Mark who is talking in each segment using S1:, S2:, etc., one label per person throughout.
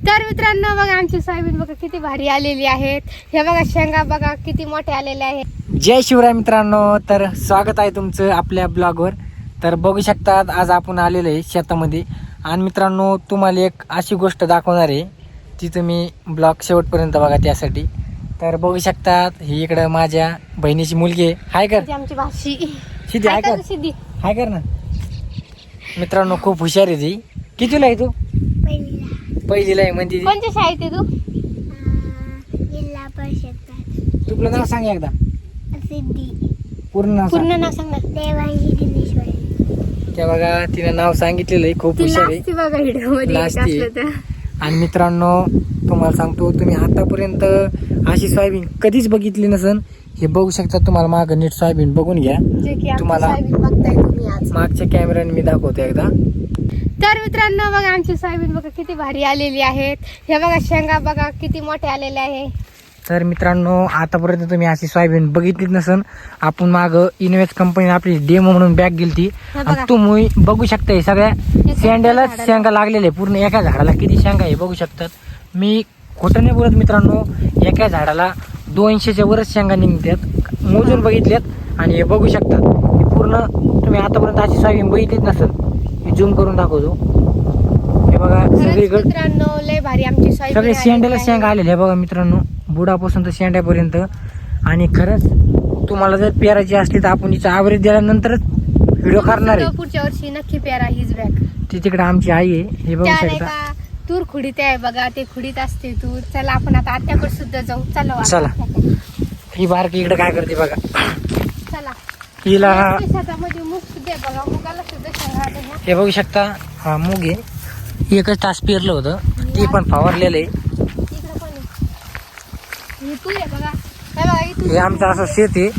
S1: तर मित्रांनो बघा आमची सोयाबीन बघा किती भारी आलेली आहेत. हे बघा शेंगा बघा किती मोठे आलेले आहेत.
S2: जय शिवराय मित्रांनो, तर स्वागत आहे तुमचं आपल्या ब्लॉगवर. तर बघू शकतात आज आपण आलेलो आहे शेतामध्ये. आणि मित्रांनो तुम्हाला एक अशी गोष्ट दाखवणार आहे ती तुम्ही ब्लॉग शेवटपर्यंत बघा त्यासाठी. तर बघू शकतात ही इकडं माझ्या बहिणीची मुलगी आहे. हाय कर
S1: ती आमची भाषी
S2: सिद्धी, हाय कर,
S1: सिद्धी.
S2: हाय कर ना. मित्रांनो खूप हुशार आहे ती. कितीला आहे तू? पहिलीला आहे म्हणते ती.
S1: कोणत्या शाळेत आहे तू?
S3: जिल्हा परिषद
S2: तुला नाव सांग एकदा,
S3: सिद्धी.
S2: पूर्ण नाव सांग.
S1: पूर्ण नाव सांग ना.
S3: देवांशी दिनेश्वरी.
S2: त्या बघा तिनं नाव सांगितलेलं आहे. खूप
S1: ती
S2: हुशार आहे.
S1: लाजती बघा व्हिडिओ मध्ये
S2: लाजती.
S1: असलं तर.
S2: आणि मित्रांनो तुम्हाला सांगतो, तुम्ही आतापर्यंत अशी सोयाबीन कधीच बघितली नसन. हे बघू शकता, तुम्हाला मागं नीट सोयाबीन बघून घ्या.
S1: जे की आमची
S2: तुम्हाला
S1: सोयाबीन बघताय तुम्ही आज.
S2: मागच्या कॅमेऱ्याने मी दाखवतो एकदा.
S1: तर मित्रांनो बघा आमची सोयाबीन बघा किती भारी आलेली आहेत. हे बघा शेंगा बघा किती मोठे आलेले आहे.
S2: तर मित्रांनो आतापर्यंत तुम्ही अशी सोयाबीन बघितलीच नसन. आपण मागं इन्व्हेस्ट कंपनी आपली डेमो म्हणून बॅग गेलती.
S1: हे
S2: आणि
S1: बघा.
S2: तुम्ही बघू शकता हे सगळ्या शेंड्याला
S1: झाडाला.
S2: शेंगा लागलेले. पूर्ण एका झाडाला किती शेंगा आहे बघू शकतात. मी खोटं नाही बोलत मित्रांनो, एका झाडाला 200च्या वरच शेंगा निघतात. मोजून बघितल्यात आणि हे बघू शकतात. हे पूर्ण तुम्ही आतापर्यंत अशी सोयाबीन बघितलीच नसेल. मी झूम करून दाखवतो. हे बघा
S1: खरंच
S2: सगळीकडे
S1: मित्रांनो लय भारी आमची सोयाबीन
S2: सगळे
S1: आलेली
S2: शेंड्याला
S1: आहे.
S2: शेंगा आलेले. हे बघा मित्रांनो, बुडापासून तर शेंड्यापर्यंत. आणि खरंच तुम्हाला जर पेरायची असली तर आपण हिचा ॲव्हरेज दिल्यानंतरच व्हिडिओ करणार आहे.
S1: पुढच्या वर्षी नक्की पेरा हीच बॅग.
S2: ती तिकडे आमची आई आहे. हे बघू
S1: त्या नाही
S2: शकता.
S1: का तूर खुडीत आहे बघा, ते खुडीत असते तूर. चला आपण आता आत्याकडे सुद्धा जाऊ. चला
S2: चला. ही बारकी इकडे काय करते बघा.
S1: चला.
S2: हिला
S1: शेतामध्ये मूग सुद्धा आहे बघा, मुगाला सुद्धा शेंगा आल्या ह्या.
S2: हे बघू शकता, हा मूग आहे. एकच तास पेरलं होतं, ते पण फवारलेलं आहे.
S1: इकडं पण आहे. ही तूर आहे बघा. हे बघा ही तूर.
S2: हे आमचं असं शेत आहे.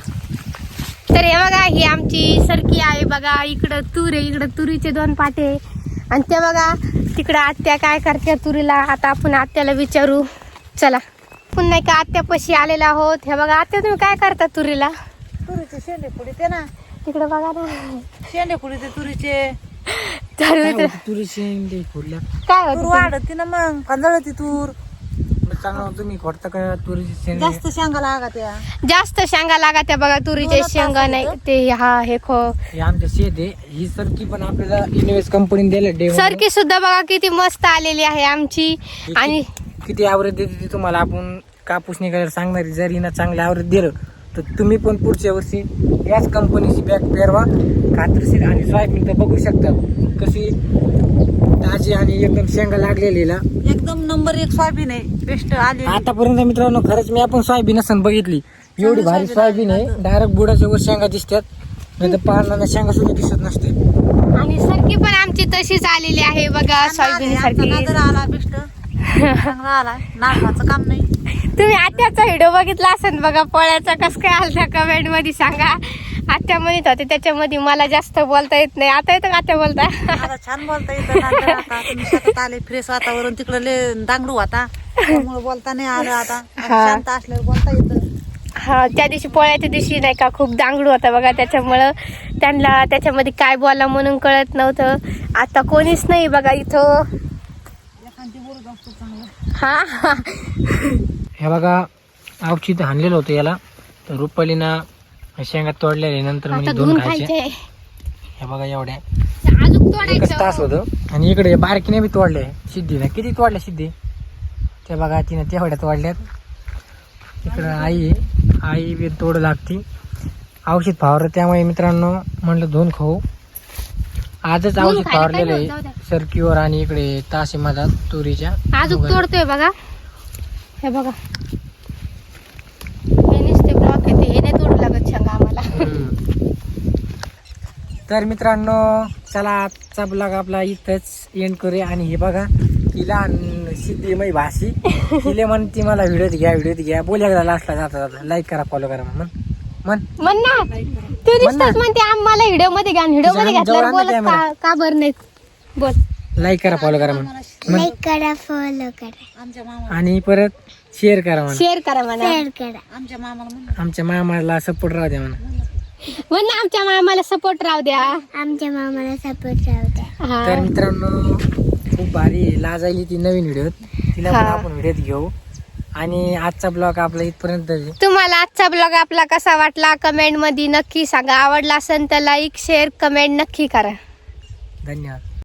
S1: तर हे बघा ही आमची सरकी आहे बघा. इकडं तूर आहे, इकडं तुरीचे 2 पाटे आहे. आणि ते बघा तिकडं आत्या काय करते तुरीला. आता आपण आत्याला विचारू. चला पुन्हा एका आत्यापाशी आलेला आहोत. हे बघा आत्या तुम्ही काय करता तुरीला?
S3: तुरीचे शेंडे पुढे ना,
S1: तिकडे बघा ना.
S3: शेंडे पुढे तुरीचे
S1: तर मित्र
S2: तुरी शेंडे फोडल्या.
S1: काय
S3: तूर
S1: होत
S3: वाढती ना, मग कांदळती तूर.
S2: चांगलं तुम्ही खोडता का तुरीची शेंडे?
S3: जास्त शेंगा लागा त्या.
S1: जास्त शेंगा लागत आहे बघा तुरीचे
S3: दोनच
S1: शेंगा
S3: तास
S1: नाही
S3: होतं.
S1: ते. हा हे खो
S2: हे आमचं शेत आहे. ही सरकी पण आपल्याला इन्व्हेस्ट कंपनीने दिलं डेमो.
S1: सरकी सुद्धा बघा किती मस्त आलेली आहे आमची. आणि
S2: किती ॲव्हरेज देते ती तुम्हाला आपण कापूस निघायला सांगणार. जर हिनं चांगलं ॲव्हरेज दिलं तर तुम्ही पण पुढच्या वर्षी याच कंपनीची बॅग पेरवा खात्रीशीर. आणि सोयाबीन तर बघू शकता कशी ताजी आणि एकदम शेंगा लागलेलीला.
S3: एकदम नंबर 1 सोयाबीन आहे. बेस्ट आली.
S2: आतापर्यंत मित्रांनो खरंच मी आपण सोयाबीन असं बघितली. एवढी भारी सोयाबीन आहे. डायरेक्ट बुडाच्या वर शेंगा दिसतात, नाही तर पानाला शेंगा सुद्धा दिसत नसते.
S1: आणि सरकी पण आमची तशीच आलेली आहे बघा सोयाबीन सारखी.
S3: आला बेस्ट चांगला आला. नाकाचं काम नाही.
S1: तुम्ही आत्याचा व्हिडिओ बघितला असेल बघा पोळ्याचा. कस काय आलता कमेंट मध्ये सांगा. आत्या म्हणत होते त्याच्यामध्ये मला जास्त बोलता येत नाही. आता येतं का आत्या बोलता?
S3: मला छान बोलता येतं. नांदर आता तुम्ही शेतात आले, फ्रेश वातावरण. तिकडे लय दांगडू आता, त्यामुळे बोलता नाही आलं. आता शांत असल्यावर बोलता येतं.
S1: हा त्या दिवशी पोळ्याच्या दिवशी नाही का खूप दांगडू होता बघा, त्याच्यामुळं त्यांना त्याच्यामध्ये काय बोला म्हणून कळत नव्हतं. आता कोणीच नाही बघा इथं.
S3: एखादी बोलत असतो चांगलं.
S1: हा
S2: हे बघा औषध हाणलेलं होतं याला. तर रुपालीना शेंगा तोडलेले नंतर
S1: आता
S2: म्हणजे
S1: धुवून
S2: 2 खायचे.
S1: खायचे.
S2: हे बघा एवढ्या
S1: अजून
S2: एकच तास
S1: तोडायचं.
S2: होतं. आणि इकडे बारकीने बी तोडले. सिद्धीला किती तोडल्या सिद्धी? ते बघा तिने तेवढ्या तोडल्यात. इकडं आई आहे, आई बी तोड लागती. औषध फवारलं त्यामुळे मित्रांनो म्हणलं धुवून खाऊ. आजच
S1: धुवून
S2: औषध
S1: खायला
S2: फवारलेलं
S1: काय जाऊ द्या.
S2: आहे सरकीवर आणि इकडे ताशी माझा तुरीच्या.
S1: अजून तोडतोय बघा. हे बघा हे नुसते ब्लॉक येते. हे नाही तोडू लागत शेंगा आम्हाला.
S2: तर मित्रांनो चला आजचा ब्लॉग आपला इथंच एंड करूया. आणि हे बघा तिला सिद्धी माझी भाषी तिला म्हणते मला व्हिडिओत घ्या. बोल एकदा लास्टला जाता जाता लाईक करा, फॉलो करा. म्हण
S1: म्हण ना तू नुसतंच म्हणते आम्हाला व्हिडिओ मध्ये घ्या. व्हिडिओ मध्ये घातल्यावर
S2: जवळ आणलं
S1: बोलत का बरं नाही? बोल.
S2: लाईक करा, फॉलो करा म्हण.
S3: लाईक करा, फॉलो करा. आमच्या मामा
S2: आणि परत शेअर करा म्हणा.
S1: शेअर करा म्हणा.
S3: शेअर करा. आमच्या मामाला म्हणा.
S2: आमच्या मामाला सपोर्ट राहू द्या म्हणा.
S1: म्हण ना आमच्या मामाला सपोर्ट राहू द्या.
S3: आमच्या मामाला सपोर्ट राहू द्या.
S1: हा.
S2: तर मित्रांनो खूप भारी लाजायली ती नवीन व्हिडिओत, तिला पण
S1: हा.
S2: आपण व्हिडिओत घेऊ. आणि आजचा ब्लॉग आपला इथपर्यंत आहे.
S1: तुम्हाला आजचा ब्लॉग आपला कसा वाटला कमेंट मध्ये नक्की सांगा. आवडला असेल तर लाईक शेअर कमेंट नक्की करा.
S2: धन्यवाद.